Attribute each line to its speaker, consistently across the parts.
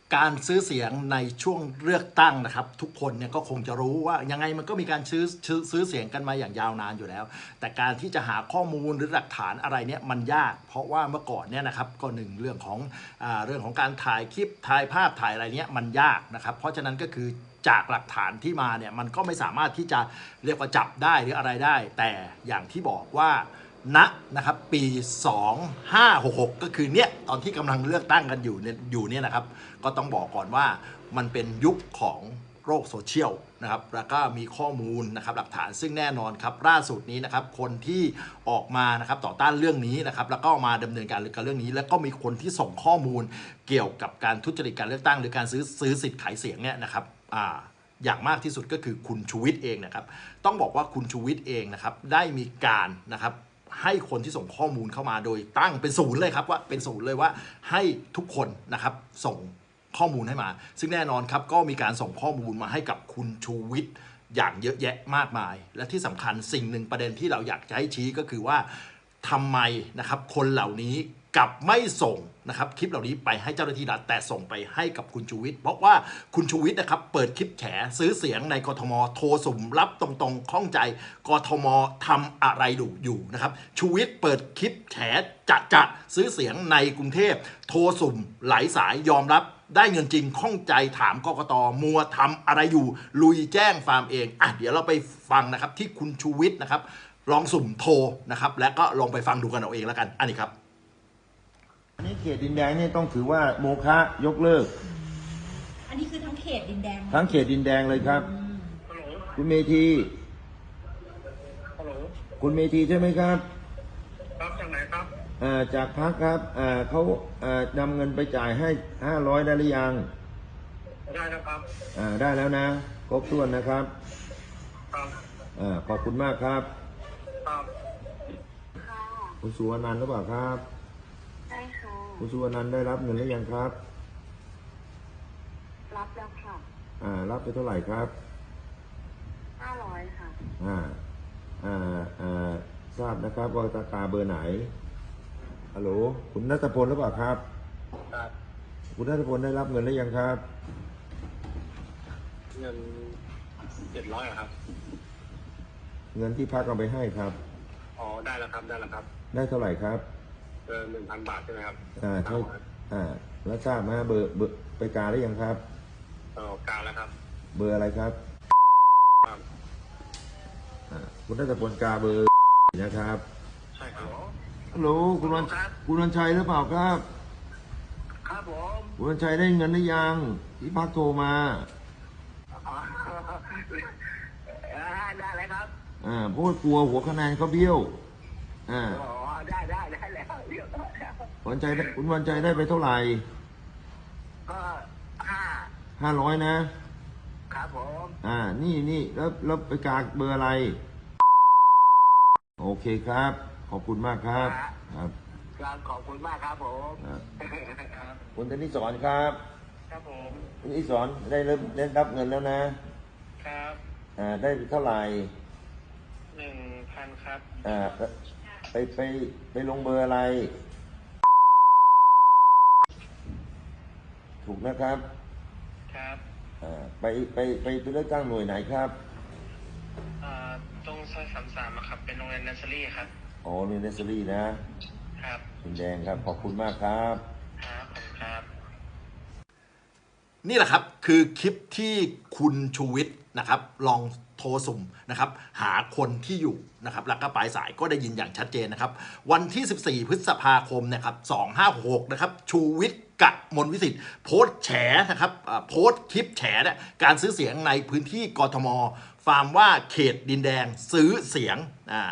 Speaker 1: การซื้อเสียงในช่วงเลือกตั้งนะครับทุกคนเนี่ยก็คงจะรู้ว่ายังไงมันก็มีการซื้อเสียงกันมาอย่างยาวนานอยู่แล้วแต่การที่จะหาข้อมูลหรือหลักฐานอะไรเนี่ยมันยากเพราะว่าเมื่อก่อนเนี่ยนะครับก็หนึ่งเรื่องของการถ่ายคลิปถ่ายภาพถ่ายอะไรเนี่ยมันยากนะครับเพราะฉะนั้นก็คือจากหลักฐานที่มาเนี่ยมันก็ไม่สามารถที่จะเรียกว่าจับได้หรืออะไรได้แต่อย่างที่บอกว่านะครับปี2566ก็คือเนี่ยตอนที่กำลังเลือกตั้งกันอยู่เนี่ยนะครับก็ต้องบอกก่อนว่ามันเป็นยุคของโลกโซเชียลนะครับแล้วก็มีข้อมูลนะครับหลักฐานซึ่งแน่นอนครับล่าสุดนี้นะครับคนที่ออกมานะครับต่อต้านเรื่องนี้นะครับแล้วก็มาดำเนินการกับเรื่องนี้แล้วก็มีคนที่ส่งข้อมูลเกี่ยวกับการทุจริตการเลือกตั้งหรือการซื้อสิทธิ์ขายเสียงเนี่ยนะครับอย่างมากที่สุดก็คือคุณชูวิทย์เองนะครับต้องบอกว่าคุณชูวิทย์เองนะครับได้มีการนะครับให้คนที่ส่งข้อมูลเข้ามาโดยตั้งเป็นศูนย์เลยครับว่าเป็นศูนย์เลยว่าให้ทุกคนนะครับส่งข้อมูลให้มาซึ่งแน่นอนครับก็มีการส่งข้อมูลมาให้กับคุณชูวิทย์อย่างเยอะแยะมากมายและที่สำคัญสิ่งหนึ่งประเด็นที่เราอยากจะให้ชี้ก็คือว่าทำไมนะครับคนเหล่านี้กลับไม่ส่งนะครับคลิปเหล่านี้ไปให้เจ้าหน้าที่รัฐแต่ส่งไปให้กับคุณชูวิทย์เพราะว่าคุณชูวิทย์นะครับเปิดคลิปแฉซื้อเสียงในกทมโทรสุ่มรับตรงๆข้องใจกทมทำอะไรอยู่นะครับชูวิทย์เปิดคลิปแฉจะซื้อเสียงในกรุงเทพโทรสุ่มหลายสายยอมรับได้เงินจริงข้องใจถามกกตมัวทำอะไรอยู่ลุยแจ้งฟาร์มเองเดี๋ยวเราไปฟังนะครับที่คุณชูวิทย์นะครับลองสุ่มโทรนะครับและก็ลองไปฟังดูกันเอาเองแล้วกันอันนี้ครับ
Speaker 2: อันนี้เขตดินแดงนี่ต้องถือว่าโมฆะยกเลิก
Speaker 3: อันนี้คือทั้งเขตดินแดง
Speaker 2: ทั้งเขตดินแดงเลยครับคุณเมธีคุณเมธีใช่ไหมครับ
Speaker 4: ครับจากไหนครับ
Speaker 2: จากพรรคครับเขานำเงินไปจ่ายให้500ได้หรือยัง
Speaker 4: ได้แล้วครับ
Speaker 2: ได้แล้วนะครบถ้วนนะครับ
Speaker 4: ครับ
Speaker 2: ขอบคุณมากครับ
Speaker 4: ครับ
Speaker 2: คุณสุวรรณันท์หรือเปล่าครับ
Speaker 5: ใช่ค่ะ
Speaker 2: คุณสุวรรณันท์ได้รับเงินหรือยังครับ
Speaker 5: รับแล้วค่ะ
Speaker 2: รับไปเท่าไหร่ครับ
Speaker 5: 500ค่ะ
Speaker 2: ทราบนะครับว่าตาเบอร์ไหนฮัลโหลคุณณัฐพลหรือเปล่าครับ
Speaker 4: ครับ
Speaker 2: คุณณัฐพลได้รับเงินหรือยังครับ
Speaker 4: เงิน700ครับ
Speaker 2: เงินที่พรรคเอาไปให้ครับ
Speaker 4: ได้แล้วครับได้แล้วครับ
Speaker 2: ได้เท่าไหร่ครับ
Speaker 4: 1,000 บาทใช่ไหมครับ
Speaker 2: ใช่แล้วทราบไหมเบอร์ไปกาได้ยังครับ
Speaker 4: กาแล้วครับ
Speaker 2: เบอร์อะไรครับคุณณัฐพลกาเบอร์นะครับ
Speaker 4: ใช่ครับ
Speaker 2: ฮัลโหลคุณวันชัยหรือเปล่าครับ
Speaker 4: ครับผม
Speaker 2: คุณวันชัยได้เงินหรือยังที่พรรคโทรมา
Speaker 4: ได้เลยครับ
Speaker 2: เพราะกลัวหัวคะแนนเขาเบี้ยว
Speaker 4: ได้แล้ว
Speaker 2: คุณวันชัยได้ไปเท่าไหร่
Speaker 4: ก็
Speaker 2: 500
Speaker 4: นะครับผม
Speaker 2: นี่แล้วไปกาเบอร์อะไรโอเคครับขอบคุณมากครับ
Speaker 4: ครับขอบคุณมากครับผม
Speaker 2: คุณธนิสรครับ
Speaker 4: ครับผม
Speaker 2: คุณธนิสรได้รับเงินแล้วนะครับได้เท่าไหร่
Speaker 4: 1,000ครับ
Speaker 2: ไปลงเบอร์อะไรถูกนะครับ
Speaker 4: ครับ
Speaker 2: ไปเลือกตั้งหน่วยไหนครับ
Speaker 4: ตรงซอย33ครับเป็นโรงเรียนเนสเซอรี่ครับ
Speaker 2: โรงเรียนเนสเซอรี่นะครับดินแดงครับขอบคุณมากครับ
Speaker 4: ครับขอบคุณครับ
Speaker 1: นี่แหละครับคือคลิปที่คุณชูวิทย์นะครับลองโทรสุ่มนะครับหาคนที่อยู่นะครับแล้วก็ปลายสายก็ได้ยินอย่างชัดเจนนะครับวันที่14พฤษภาคมนะครับ2566นะครับชูวิทย์กมลวิสิทธิ์โพสต์แฉนะครับโพสต์คลิปแฉเนี่ยการซื้อเสียงในพื้นที่กทมฟาร์มว่าเขตดินแดงซื้อเสียง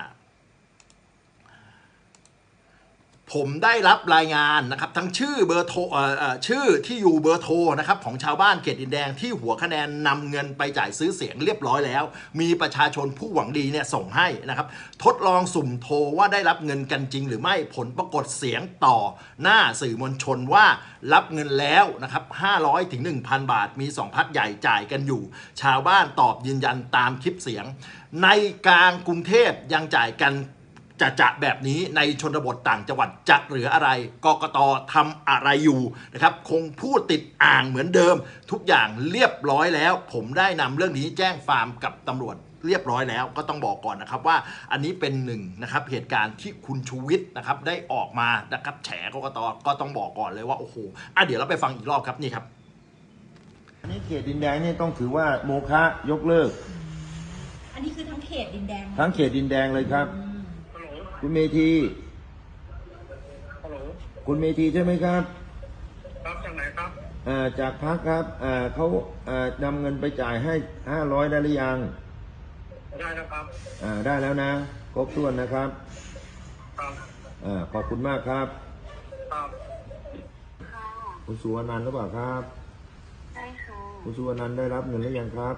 Speaker 1: ผมได้รับรายงานนะครับทั้งชื่อเบอร์โทรชื่อที่อยู่เบอร์โทรนะครับของชาวบ้านเขตดินแดงที่หัวคะแนนนำเงินไปจ่ายซื้อเสียงเรียบร้อยแล้วมีประชาชนผู้หวังดีเนี่ยส่งให้นะครับทดลองสุ่มโทรว่าได้รับเงินกันจริงหรือไม่ผลปรากฏเสียงต่อหน้าสื่อมวลชนว่ารับเงินแล้วนะครับ500 ถึง 1,000 บาทมี2พรรคใหญ่จ่ายกันอยู่ชาวบ้านตอบยืนยันตามคลิปเสียงในกลางกรุงเทพยังจ่ายกันจะแบบนี้ในชนบทต่างจังหวัดจะเหลืออะไรกกตทำอะไรอยู่นะครับคงพูดติดอ่างเหมือนเดิมทุกอย่างเรียบร้อยแล้วผมได้นำเรื่องนี้แจ้งฟาร์มกับตำรวจเรียบร้อยแล้วก็ต้องบอกก่อนนะครับว่าอันนี้เป็นหนึ่งนะครับเหตุการณ์ที่คุณชูวิทย์นะครับได้ออกมานะครับแฉกกตก็ต้องบอกก่อนเลยว่าโอ้โหเดี๋ยวเราไปฟังอีกรอบครับนี่ครับ
Speaker 2: อันนี้เขตดินแดงนี่ต้องถือว่าโมฆะยกเลิก
Speaker 3: อันนี้คือทั้งเขตดินแดง
Speaker 2: ทั้งเขตดินแดงเลยครับ
Speaker 4: ฮัลโหล
Speaker 2: คุณเมธี
Speaker 4: ฮัลโหล
Speaker 2: คุณเมธีใช่ไหมครับ
Speaker 4: ครับจากไหนครับ
Speaker 2: จากพักครับเขานำเงินไปจ่ายให้500ได้หรือยัง
Speaker 4: ได้แล้วครับ
Speaker 2: ได้แล้วนะครบถ้วนนะครับ
Speaker 4: ครับ
Speaker 2: ขอบคุณมากครับ
Speaker 4: ครับ
Speaker 5: ค่ะ
Speaker 2: คุณสุวรรณหรือเปล่าครับ
Speaker 5: ใช่ค่ะ
Speaker 2: คุณสุวรรณได้รับเงินหรือยังครับ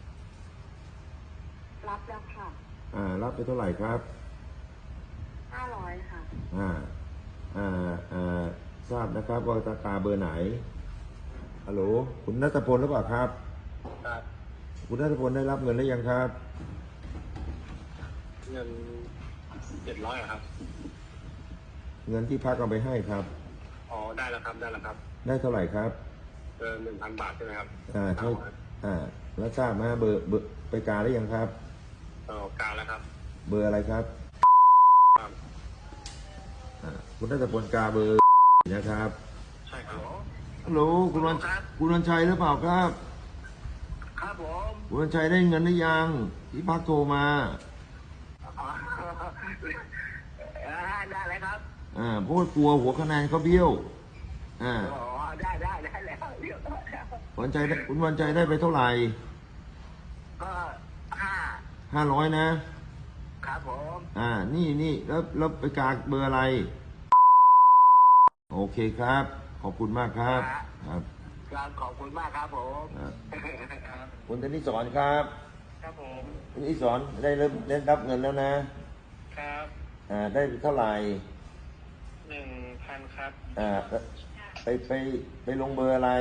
Speaker 5: รับแล้วค่ะ
Speaker 2: รับไปเท่าไหร่ครับ
Speaker 5: 500ค่ะ
Speaker 2: ทราบนะครับว่าตาเบอร์ไหนฮัลโหลคุณณัฐพลหรือเปล่าครับ
Speaker 4: ครับ
Speaker 2: คุณณัฐพลได้รับเงินหรือยังครับ
Speaker 4: เงิน700ครับ
Speaker 2: เงินที่พักเอาไปให้ครับ
Speaker 4: อ๋อ ได้แล้วครับ ได้แล้วครับ
Speaker 2: ได้เท่าไหร่ครับ
Speaker 4: 1,000 บาทใช่ไหมครับ
Speaker 2: ใช่แล้วทราบไหมเบอร์ไปกาหรือยังครับ
Speaker 4: การแล้วครับ
Speaker 2: เบอร์อะไรครับ
Speaker 4: ครับ
Speaker 2: คุณณัฐพลกาเบอร์นะครับ
Speaker 4: ใช่ครับ
Speaker 2: ฮัลโหลคุณวันชัยหรือเปล่าครับ
Speaker 4: ครับผม
Speaker 2: คุณวันชัยได้เงินหรือยังที่พักโทรมา
Speaker 4: ได้เลยครับ
Speaker 2: เพราะว่ากลัวหัวคะแนนเขาเบี้ยว
Speaker 4: อ๋อ ได้แล้วเรียบร้อยแล้ว
Speaker 2: คุณวันชัยได้ไปเท่าไหร่
Speaker 4: ก็
Speaker 2: 500นะ
Speaker 4: ครับผม
Speaker 2: นี่แล้วไปกาเบอร์อะไร โอเคครับ ขอบคุณมากครับ ครับ
Speaker 4: ครับขอบคุณมากครับผม
Speaker 2: คุณธนิสรครับ
Speaker 4: ครับผม
Speaker 2: คุณธนิสรได้รับเงินแล้วนะครับ ได้เท่าไหร่
Speaker 4: 1,000 ครับ
Speaker 2: ไปลงเบอร์อะไร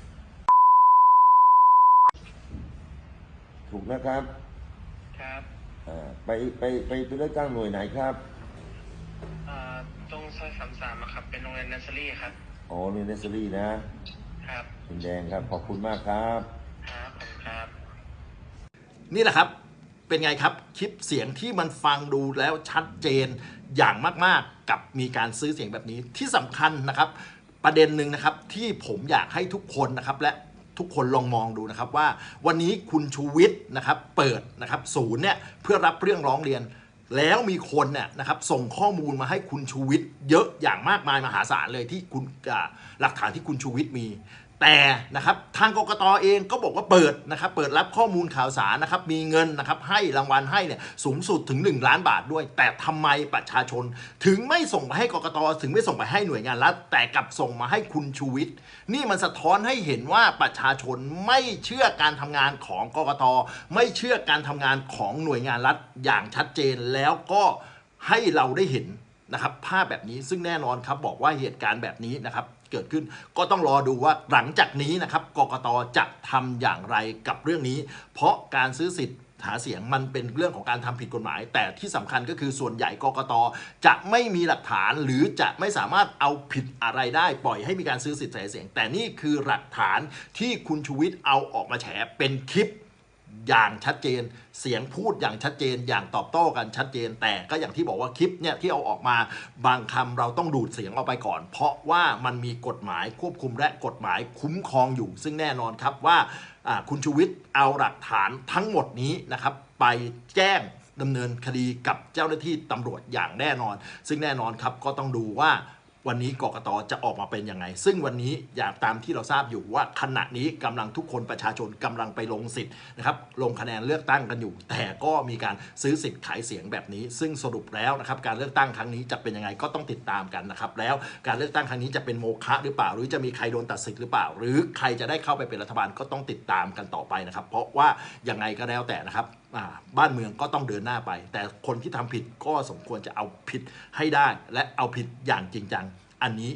Speaker 2: ถูกนะครับ
Speaker 4: ครับ
Speaker 2: ไปเลือกตั้งหน่วยไหนครับ
Speaker 4: ตรงซอย33อะครับ เป็นโรงเรียนเนสเซอรี่ครับ
Speaker 2: อ๋อเรียนเนสเซอรี่นะครับ ดินแดงครับ ขอบคุณมากครับ
Speaker 4: ครับผมครับ
Speaker 1: นี่แหละครับเป็นไงครับคลิปเสียงที่มันฟังดูแล้วชัดเจนอย่างมากๆกับมีการซื้อเสียงแบบนี้ที่สำคัญนะครับประเด็นหนึ่งนะครับที่ผมอยากให้ทุกคนนะครับและทุกคนลองมองดูนะครับว่าวันนี้คุณชูวิทย์นะครับเปิดนะครับศูนย์เนี่ยเพื่อรับเรื่องร้องเรียนแล้วมีคนเนี่ยนะครับส่งข้อมูลมาให้คุณชูวิทย์เยอะอย่างมากมายมหาศาลเลยที่คุณหลักฐานที่คุณชูวิทย์มีแต่นะครับทางกกตเองก็บอกว่าเปิดนะครับเปิดรับข้อมูลข่าวสารนะครับมีเงินนะครับให้รางวัลให้เนี่ยสูงสุดถึง1 ล้านบาทด้วยแต่ทำไมประชาชนถึงไม่ส่งไปให้กกตถึงไม่ส่งไปให้หน่วยงานรัฐแต่กลับส่งมาให้คุณชูวิทย์นี่มันสะท้อนให้เห็นว่าประชาชนไม่เชื่อการทำงานของกกตไม่เชื่อการทำงานของหน่วยงานรัฐอย่างชัดเจนแล้วก็ให้เราได้เห็นนะครับภาพแบบนี้ซึ่งแน่นอนครับบอกว่าเหตุการณ์แบบนี้นะครับเกิดขึ้นก็ต้องรอดูว่าหลังจากนี้นะครับกกตจะทำอย่างไรกับเรื่องนี้ เพราะการซื้อสิทธิ์หาเสียงมันเป็นเรื่องของการทำผิดกฎหมาย แต่ที่สำคัญก็คือส่วนใหญ่กกตจะไม่มีหลักฐานหรือจะไม่สามารถเอาผิดอะไรได้ปล่อยให้มีการซื้อสิทธิ์หาเสียงแต่นี่คือหลักฐานที่คุณชูวิทย์เอาออกมาแฉเป็นคลิปอย่างชัดเจนเสียงพูดอย่างชัดเจนอย่างตอบโต้กันชัดเจนแต่ก็อย่างที่บอกว่าคลิปเนี่ยที่เอาออกมาบางคำเราต้องดูดเสียงออกไปก่อน เพราะว่ามันมีกฎหมายควบคุมและกฎหมายคุ้มครองอยู่ซึ่งแน่นอนครับว่าคุณชูวิทย์เอาหลักฐานทั้งหมดนี้นะครับไปแจ้งดำเนินคดีกับเจ้าหน้าที่ตำรวจอย่างแน่นอนซึ่งแน่นอนครับก็ต้องดูว่าวันนี้กกตจะออกมาเป็นยังไงซึ่งวันนี้อย่างตามที่เราทราบอยู่ว่าขณะนี้กำลังทุกคนประชาชนกำลังไปลงสิทธิ์นะครับลงคะแนนเลือกตั้งกันอยู่แต่ก็มีการซื้อสิทธิ์ขายเสียงแบบนี้ซึ่งสรุปแล้วนะครับการเลือกตั้งครั้งนี้จะเป็นยังไงก็ต้องติดตามกันนะครับแล้วการเลือกตั้งครั้งนี้จะเป็นโมฆะหรือเปล่าหรือจะมีใครโดนตัดสิทธิ์หรือเปล่าหรือใครจะได้เข้าไปเป็นรัฐบาลก็ต้องติดตามกันต่อไปนะครับเพราะว่ายังไงก็แล้วแต่นะครับบ้านเมืองก็ต้องเดินหน้าไปแต่คนที่ทำผิดก็สมควรจะเอาผิดให้ได้และเอาผิดอย่างจริงจังอันนี้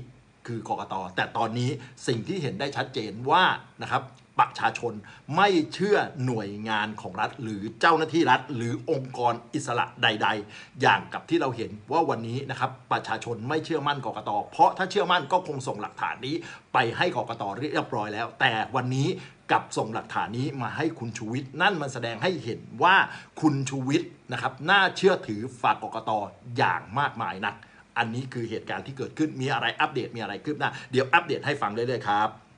Speaker 1: คือกกต.แต่ตอนนี้สิ่งที่เห็นได้ชัดเจนว่านะครับประชาชนไม่เชื่อหน่วยงานของรัฐหรือเจ้าหน้าที่รัฐหรือองค์กรอิสระใดๆอย่างกับที่เราเห็นว่าวันนี้นะครับประชาชนไม่เชื่อมั่นกกต.เพราะถ้าเชื่อมั่นก็คงส่งหลักฐานนี้ไปให้กกต.เรียบร้อยแล้วแต่วันนี้กลับส่งหลักฐานนี้มาให้คุณชูวิทย์นั่นมันแสดงให้เห็นว่าคุณชูวิทย์นะครับน่าเชื่อถือฝากกกต.อย่างมากมายนักอันนี้คือเหตุการณ์ที่เกิดขึ้นมีอะไรอัปเดตมีอะไรคืบหน้าเดี๋ยวอัปเดตให้ฟังเรื่อยๆครับ